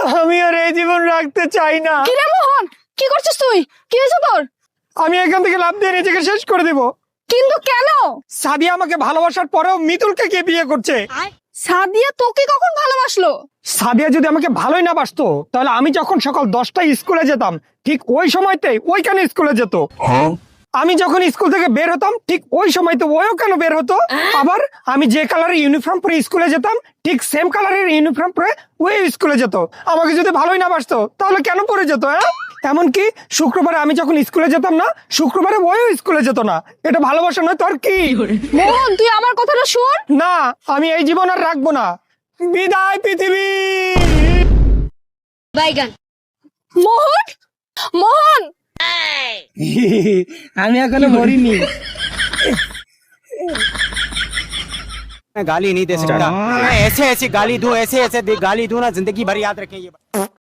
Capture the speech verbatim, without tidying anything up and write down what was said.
আমি আর এই জীবন রাখতে চাই না। কি রে মোহন, কি করছিস তুই? কি হয়েছে তোর? আমি এখান থেকে লাফ দিয়ে নিজেকে শেষ করে দিব। কিন্তু কেন? সাদিয়া আমাকে ভালোবাসার পরেও মিতুলকে কে বিয়ে করছে? সাদিয়া তোকে কখন ভালোবাসলো? সাদিয়া যদি আমাকে ভালোই না বাসতো তাহলে আমি যখন সকাল দশটায় স্কুলে যেতাম ঠিক ওই সময়তেই ওইখানে স্কুলে যেত। আমি যখন স্কুল থেকে বের হতাম ঠিক ওই সময়তে ওইও কেন বের হতো। আবার আমি যে কালারের ইউনিফর্ম পরে স্কুলে যেতাম ঠিক সেম কালারের ইউনিফর্ম পরে ওই স্কুলে যেত। আমাকে যদি ভালোই না বাসতো তাহলে কেন পরে যেত? হ্যাঁ, এমনকি শুক্রবারে আমি যখন স্কুলে যেতাম না শুক্রবারে ওইও স্কুলে যেত না। এটা ভালোবাসা নয় তোর কি? মোহন তুই আমার কথাটা শোন। না, আমি এই জীবন আর রাখবো না। বিদায় পৃথিবী। বাইগান। মোহন, মোহন আমি এখনো মরিনি। गाली नहीं दे सकता। मैं ऐसे ऐसे गाली दूं, ऐसे ऐसे दे- गाली दूं ना, जिंदगी भर याद रखें ये।